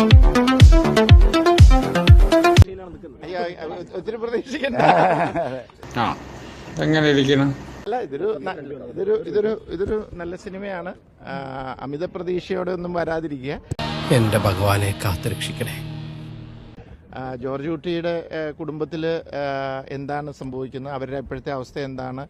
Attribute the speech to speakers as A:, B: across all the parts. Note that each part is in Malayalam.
A: ഒത്തിരി പ്രതീക്ഷിക്കണ്ട.
B: എങ്ങനെ ഇരിക്കണം?
A: അല്ല, ഇതൊരു നല്ല സിനിമയാണ്. അമിത പ്രതീക്ഷയോടെ ഒന്നും വരാതിരിക്കുക.
C: എന്റെ ഭഗവാനെ കാത്തുരക്ഷിക്കണേ.
A: ജോർജ് കുട്ടിയുടെ കുടുംബത്തിൽ എന്താണ് സംഭവിക്കുന്നത്, അവരുടെ ഇപ്പോഴത്തെ അവസ്ഥ എന്താണ്,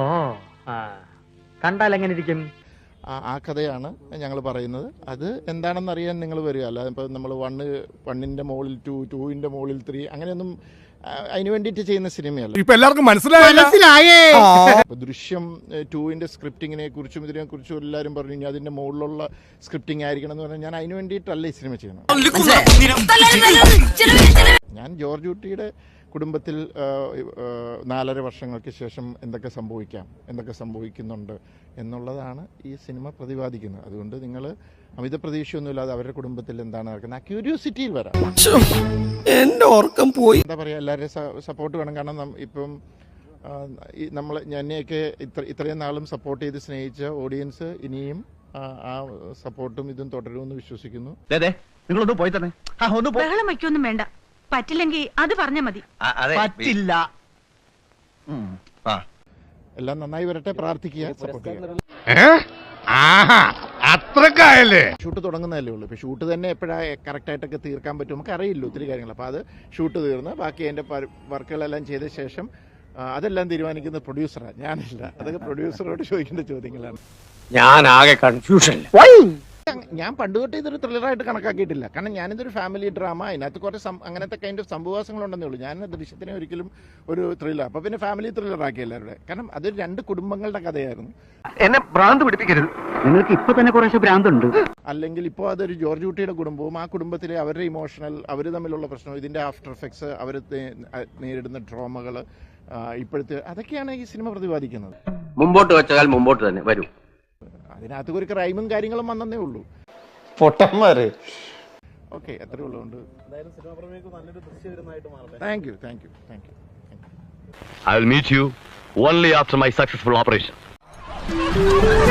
D: കണ്ടാൽ എങ്ങനെ ഇരിക്കും,
A: ആ കഥയാണ് ഞങ്ങൾ പറയുന്നത്. അത് എന്താണെന്ന് അറിയാൻ നിങ്ങൾ വരിക. അല്ലാതെ ഇപ്പോൾ നമ്മൾ വണ്ണിൻ്റെ മുകളിൽ 2, 2ന്റെ മുകളിൽ 3 അങ്ങനെയൊന്നും അതിന് വേണ്ടിയിട്ട് ചെയ്യുന്ന സിനിമയല്ല.
C: ഇപ്പൊ എല്ലാവർക്കും മനസ്സിലായേ.
A: ദൃശ്യം 2ന്റെ സ്ക്രിപ്റ്റിങ്ങിനെ കുറിച്ചും ഇതിനെ കുറിച്ചും എല്ലാവരും പറഞ്ഞു ഇനി അതിന്റെ മുകളിലുള്ള സ്ക്രിപ്റ്റിംഗ് ആയിരിക്കണം എന്ന് പറഞ്ഞാൽ ഞാൻ അതിന് വേണ്ടിയിട്ടല്ല ഈ സിനിമ ചെയ്യണം. ഞാൻ ജോർജ് കുട്ടിയുടെ കുടുംബത്തിൽ 4.5 വർഷങ്ങൾക്ക് ശേഷം എന്തൊക്കെ സംഭവിക്കാം, എന്തൊക്കെ സംഭവിക്കുന്നുണ്ട് എന്നുള്ളതാണ് ഈ സിനിമ പ്രതിപാദിക്കുന്നത്. അതുകൊണ്ട് നിങ്ങൾ അമിത പ്രതീക്ഷയൊന്നുമില്ലാതെ അവരുടെ കുടുംബത്തിൽ എന്താണ് നടക്കുന്നത് ആ ക്യൂരിയോസിറ്റിയിൽ വരാം.
C: എന്റെ ഓർക്കം പോയി.
A: എന്താ പറയുക, എല്ലാവരുടെയും സപ്പോർട്ട് വേണം. കാരണം ഇപ്പം എന്നെയൊക്കെ ഇത്രയും നാളും സപ്പോർട്ട് ചെയ്ത് സ്നേഹിച്ച ഓഡിയൻസ് ഇനിയും ആ സപ്പോർട്ടും ഇതും തുടരുമെന്ന് വിശ്വസിക്കുന്നു.
D: നിങ്ങളൊന്ന് പോയി തന്നെ
E: ബഹളം വയ്ക്കൊന്നും വേണ്ട. പറ്റില്ലെങ്കിൽ അത് പറഞ്ഞാൽ മതി.
D: പറ്റില്ല.
A: എല്ലാം നന്നായി വരട്ടെ, പ്രാർത്ഥിക്കുക, സപ്പോർട്ട് ചെയ്യുക.
C: അത്രക്കായല്ലേ?
A: ഷൂട്ട് തുടങ്ങുന്നതല്ലേ ഉള്ളൂ. ഇപ്പോൾ ഷൂട്ട് തന്നെ എപ്പോഴാണ് കറക്റ്റായിട്ടൊക്കെ തീർക്കാൻ പറ്റും നമുക്ക് അറിയില്ല ഒത്തിരി കാര്യങ്ങൾ. അപ്പോൾ അത് ഷൂട്ട് തീർന്ന് ബാക്കി അതിൻ്റെ വർക്കുകളെല്ലാം ചെയ്ത ശേഷം അതെല്ലാം തീരുമാനിക്കുന്നത് പ്രൊഡ്യൂസറാണ്, ഞാനില്ല. അതൊക്കെ പ്രൊഡ്യൂസറോട് ചോദിക്കേണ്ട ചോദ്യങ്ങളാണ്.
C: ഞാൻ ആകെ കൺഫ്യൂഷൻ.
A: ഞാൻ പണ്ട് തൊട്ട് ഇതൊരു ത്രില്ലറായിട്ട് കണക്കാക്കിയിട്ടില്ല. കാരണം ഞാനിതൊരു ഫാമിലി ഡ്രാമ, അതിനകത്ത് കുറച്ച് അങ്ങനത്തെ കൈൻഡ് ഓഫ് സംഭവവാസങ്ങളുണ്ടെന്നേ ഉള്ളൂ. ഞാൻ ദൃശ്യത്തിനെ ഒരിക്കലും ഒരു ത്രില്ലർ, അപ്പോൾ പിന്നെ ഫാമിലി ത്രില്ലറാക്കി എല്ലാവരുടെ. കാരണം അതൊരു 2 കുടുംബങ്ങളുടെ കഥയായിരുന്നു.
D: എന്നെ ഭ്രാന്ത് പിടിപ്പിക്കരുത്. നിങ്ങൾക്ക് ഇപ്പൊ തന്നെ കുറേശ്ശെ ഭ്രാന്തുണ്ട്.
A: അല്ലെങ്കിൽ ഇപ്പോൾ അതൊരു ജോർജ് കുട്ടിയുടെ കുടുംബവും ആ കുടുംബത്തിലെ അവരുടെ ഇമോഷണൽ, അവർ തമ്മിലുള്ള പ്രശ്നം, ഇതിൻ്റെ ആഫ്റ്റർ എഫക്ട്സ്, അവർ നേരിടുന്ന ട്രോമകൾ, ഇപ്പോഴത്തെ അതൊക്കെയാണ് ഈ സിനിമ പ്രതിപാദിക്കുന്നത്.
F: മുമ്പോട്ട് വെച്ചാൽ മുമ്പോട്ട് തന്നെ വരും.
A: അതിനകത്ത് ഒരു ക്രൈമും കാര്യങ്ങളും വന്നേ ഉള്ളൂ.
F: പൊട്ടന്മാര്.
A: ഓക്കെ, അത്രേ ഉള്ളതുകൊണ്ട് thank you.
G: I will meet you only after my successful operation.